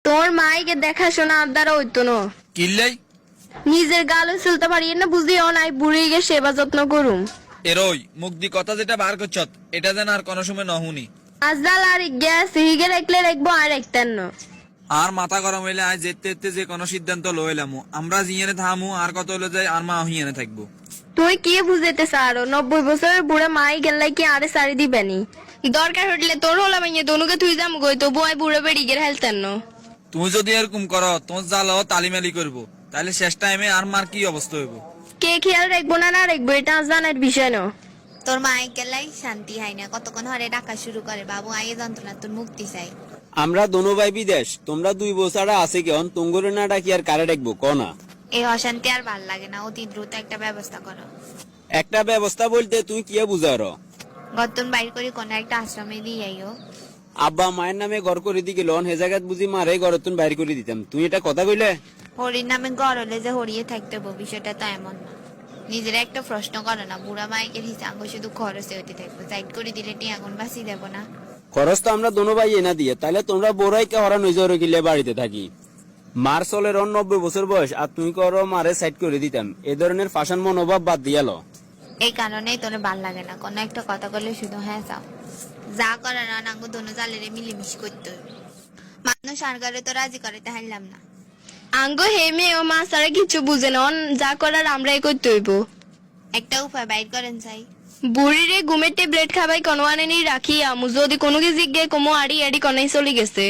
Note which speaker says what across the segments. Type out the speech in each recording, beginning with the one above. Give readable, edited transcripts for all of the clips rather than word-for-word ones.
Speaker 1: তোর মাইকে দেখাশোনা আর দ্বারা হইতো না।
Speaker 2: কিল্লাই
Speaker 1: নিজের গালে চলতে পারি না বুঝিও নাই, বুড়ি গিয়ে সেবা যত্ন করুম।
Speaker 2: এরই মুখ দি কথা যেটা বার করছত এটা যেন আর কোনো সময় নহুনি।
Speaker 1: আজদাল আর গ্যাস হিগে রাখলে রাখবো আর একতেন না।
Speaker 2: আর মাথা গরম হইলে আজ যেতে যেতে যে কোনো সিদ্ধান্ত লইলাম আমরা জিয়ানে থামু আর কত হইলে যাই আর মা হিয়ানে থাকবো।
Speaker 1: তুই কি বুঝাইতে চারো? 90 বছরের বুড়া মাই গেলাই কি আরে সারি দিবেনি? দরকার হটলে তোর হলাম দনুকে তুই যাম গই তো বয় বুড়ে বেড়ি গের হেলতেন না।
Speaker 2: তুমি যদি এরকম করো তোমার জালো তালিমালি করবো তাহলে শেষ টাইমে আর মার কি অবস্থা হইব?
Speaker 1: কে খেয়াল রাখবো না না রাখবো এটা জানার বিষয় না।
Speaker 3: তোর মায়ে গেলাই শান্তি হয় না, কতক্ষণ হরে ডাকা শুরু করে বাবু আয়ে যন্ত্রণা তোর মুক্তি চাই।
Speaker 4: আমরা দোনো ভাই বিদেশ, তোমরা 2 বছর আছে কেন তুঙ্গরে না ডাকি আর কারে ডাকবো কনা?
Speaker 3: এই অশান্তি আর ভাল লাগে না, অতি দ্রুত একটা ব্যবস্থা করো।
Speaker 4: একটা ব্যবস্থা বলতে তুই কি বুঝারো?
Speaker 3: গতন বাইর করে কোন একটা আশ্রমে দিয়ে আইও।
Speaker 4: আব্বা মায়ের নামে ঘর করে দি গেল হে জায়গাত বুঝি মারে ঘরতুন বাইর করে দিতাম, তুই এটা কথা কইলে?
Speaker 3: হরির নামে ঘর হলে যে হরিয়ে থাকতে হবে বিষয়টা তো এমন না। নিজের একটা প্রশ্ন করো না, বুড়া মাইকের হিসাব শুধু খরচে হতে থাকবো, সাইড করে দিলে টি আগুন বাঁচিয়ে দেবো না।
Speaker 4: খরচ তো আমরা দোনো ভাই এনা দিয়ে, তাহলে তোমরা বোরাইকে হরা নজর গিলে বাড়িতে থাকি। মার চলের 90 বছর বয়স আর তুই করো মারে সাইড করে দিতাম, এ ধরনের ফাশান মনোভাব বাদ দিয়ালো।
Speaker 3: এই কারণেই তোর ভাল লাগে না, কোনো একটা কথা বললে শুধু হ্যাঁ চাও। যা করে না নাঙ্গু দোনো জালেরে মিলেমিশি করতে হবে। মানুষ আর করে তো রাজি করাতে হারলাম না।
Speaker 1: আঙ্গ হেমে ও মা সারা কিছু বুঝে না, যা করার আমরাই করতে হইব।
Speaker 3: একটা উপায় বাইর করেন চাই।
Speaker 1: বুড়িরে ঘুমের ট্যাবলেট খাবাই কোনো আনেনি রাখি আমু, যদি কোনো কি জিজ্ঞে কমো আড়ি আড়ি কনাই চলে গেছে।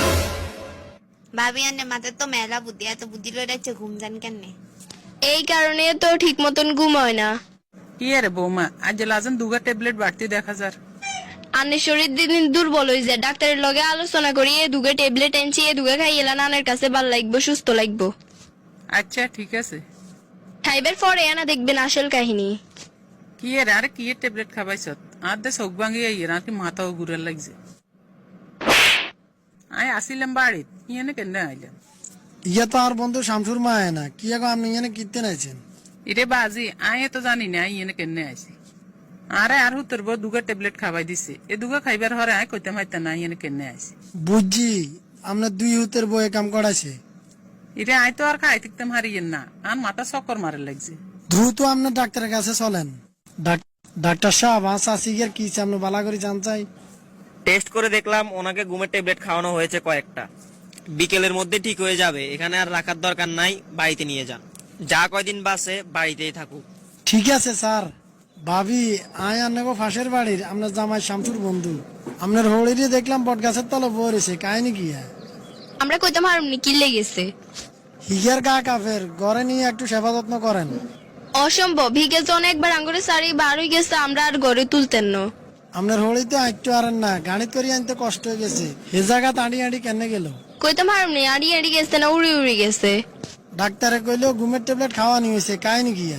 Speaker 3: ভাবি আনে মাথার তো মেলা বুদ্ধি, এত বুদ্ধি লয়ে যাচ্ছে ঘুম যান কেনে?
Speaker 1: এই কারণে তো ঠিক মতন ঘুম হয় না।
Speaker 5: ইয়ে রে বৌমা, আজ লাজন 2 ট্যাবলেট বাড়তি দেখা যার।
Speaker 1: আনের শরীর দিন দিন দুর্বল হয়ে যায়, ডাক্তারের লগে আলোচনা করি এ দুগে ট্যাবলেট এনছি, এ দুগে খাই এলা নানের কাছে ভাল লাগবো, সুস্থ লাগবো।
Speaker 5: আচ্ছা ঠিক আছে।
Speaker 1: খাইবার পরে আনা দেখবেন আসল কাহিনী।
Speaker 5: কি এর আরে কি এর ট্যাবলেট খাবাইছ? আর দে চোখ ভাঙিয়ে ইয়ে নাকি মাথাও ঘুরে লাগছে। আয় আসিলাম বাড়িত, ইয়ে কেন আইলাম?
Speaker 6: ইয়া তো আর বন্ধু শামসুর মা না কি এখন আপনি এখানে কীর্তেন আছেন?
Speaker 5: ইরে বাজি আয় তো জানি না ইয়ে কেন আইছি। আরে আর হুতর বউ 2 ট্যাবলেট খাবাই দিছে, এ 2 খাইবার হরে আয় কইতে মাইতা না ইয়ে কেন আইছি।
Speaker 6: বুঝছি আপনার 2 হুতের বয়ে কাম করাছে।
Speaker 5: ইরে আয় তো আর খাই থাকতাম হারিয়েন না, আর মাথা চক্কর মারে লাগছে।
Speaker 6: দ্রুত আপনার ডাক্তারের কাছে চলেন। ডাক্তার সাহেব আসিগের কি আপনি বালা করে জান চাই?
Speaker 7: টেস্ট করে দেখলাম ওনাকে ঘুমের ট্যাবলেট খাওয়ানো হয়েছে কয়েকটা, বিকেলের মধ্যে ঠিক হয়ে যাবে, এখানে আর রাখার দরকার নাই, বাড়িতে নিয়ে যান। যা কয়দিন বাসে বাড়িতেই থাকুক।
Speaker 6: ঠিক আছে স্যার। ভাবি আয় আনগো ফাঁসের বাড়ির আপনার জামাই শামসুর বন্ধু, আপনার হরিরে দেখলাম বট গাছের তলে বরেছে, কাহিনী কি?
Speaker 1: আমরা কইতে পারুমনি কি লেগেছে।
Speaker 6: হিগের গা কাফের, ঘরে নিয়ে একটু সেবা যত্ন করেন।
Speaker 1: অসম্ভব, ভিগে জন একবার আঙ্গুরে সারি বার হয়ে গেছে, আমরা আর ঘরে তুলতেন না।
Speaker 6: আপনার হরিতে একটু আর না, গাণিত করি আনতে কষ্ট হয়ে গেছে, হে জায়গা আড়ি আড়ি কেন গেল?
Speaker 1: কইতে পারুমনি আড়ি আড়ি গেছে না উড়ি উড়ি গেছে।
Speaker 6: ডাক্তারে কইলো ঘুমের ট্যাবলেট খাওয়া নিয়েছে, কাহিনী কি?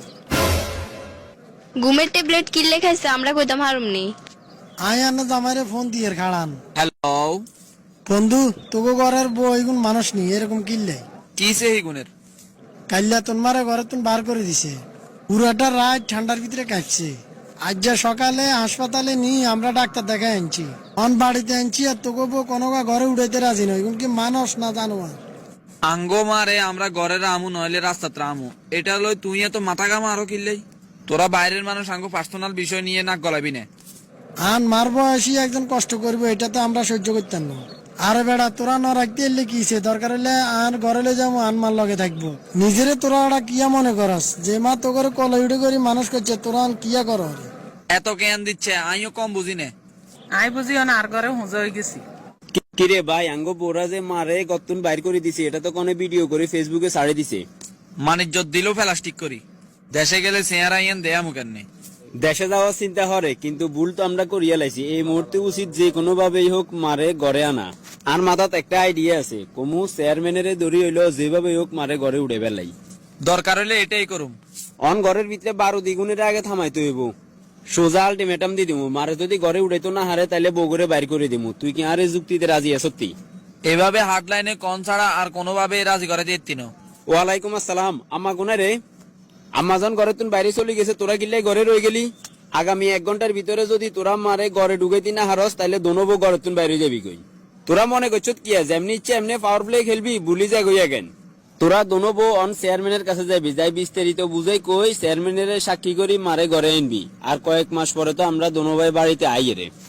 Speaker 1: ঘুমের ট্যাবলেট কিনলে খাইছে, আমরা কইতাম হারুমনি।
Speaker 6: আয় আন্না জামাইরে ফোন দিয়ে খাড়ান।
Speaker 2: হ্যালো
Speaker 6: বন্ধু তোকে ঘরের বউ এগুন মানুষ নি এরকম কিনলে
Speaker 2: কি সেই গুণের?
Speaker 6: কাল্লা তোমারে ঘরে তুমি বার করে দিছে, পুরাটা রাত ঠান্ডার ভিতরে কাটছে। আজ যা সকালে হাসপাতালে নি আমরা ডাক্তার দেখাই আনছি, অন বাড়িতে আনছি আর তোকে বউ কোনো ঘরে উড়াইতে রাজি নয়, এগুন কি মানুষ না জানোয়ার?
Speaker 2: আঙ্গো মারে আমরা ঘরের আমু নইলে রাস্তাতে আমু, এটা লই তুই এত মাথা গামা আরো কিল্লাই। তোরা বাইরের মানুষ আঙ্গো পার্সোনাল বিষয় নিয়ে নাক গলাবি না।
Speaker 6: আন মারবো আসি একজন কষ্ট করবো, এটা তো আমরা সহ্য করতাম না। আরে বেড়া তোরা না রাখতে এলে কিছে, দরকার হলে আর ঘরে লে যাবো, আন মার লগে থাকবো। নিজেরে তোরা ওরা কিয়া মনে করস, যে মা তো করে কলে উঠে করি মানুষ করছে, তোরা কিয়া কর?
Speaker 2: এত জ্ঞান দিচ্ছে আমিও কম বুঝি না।
Speaker 5: আয় বুঝি না আর ঘরে হুঁজা হয়ে গেছি।
Speaker 4: কিরে ভাই আঙ্গ বোরা যে মারে গতুন বাইর করে দিছে, এটা তো কোনে ভিডিও করে ফেসবুকে ছাড়ে দিছে।
Speaker 2: মানিজ্জত দিলেও প্লাস্টিক করি, দেশে গেলে চেহারা ইয়ান দেয়া মুখের নেই।
Speaker 4: দেশে যাওয়ার চিন্তা হরে কিন্তু ভুল তো আমরা করিয়া লাইছি, এই মুহূর্তে উচিত যে কোনো ভাবেই হোক মারে ঘরে আনা। আর মাথাত একটা আইডিয়া আছে, কমু চেয়ারম্যানের দড়ি হইলো যেভাবে হোক মারে ঘরে উড়ে বেলাই।
Speaker 2: দরকার হইলে এটাই করুম।
Speaker 4: অন ঘরের ভিতরে 12 দ্বিগুণের আগে থামাইতে হইব, সোজা আলটিমেটাম দি দিমু, মারে যদি ঘরে উড়াইতো না হারে তাইলে বগুড়ে বাইর করে দিমু। তুই কি আরে যুক্তিতে রাজি আছতি?
Speaker 2: এভাবে হাটলাইনে কোন ছাড়া আর কোনোভাবে রাজি করে দিতি না।
Speaker 4: ওয়ালাইকুম আসসালাম। আম্মা গুনা রে, আম্মাজন ঘরে তুন বাইরে চলে গেছে, তোরা কিল্লাই ঘরে রয়ে গেলি? আগামী 1 ঘন্টার ভিতরে যদি তোরা মারে ঘরে ঢুকাইতি না হারস তাইলে দোনোবো ঘরে তুন বাইরে যাবি কই। তোরা মনে করছ কি যেমনি ইচ্ছে এমনি পাওয়ার প্লে খেলবি বুলি যা গইয়া কেন তোরা দোনো বউ অন চেয়ারম্যানের কাছে যাবি যাই বিস্তারিত বুঝাই কই চেয়ারম্যানের সাক্ষী করি মারে ঘরে আনবি আর কয়েক মাস পরে তো আমরা দোনো ভাই বাড়িতে আইয়ে রে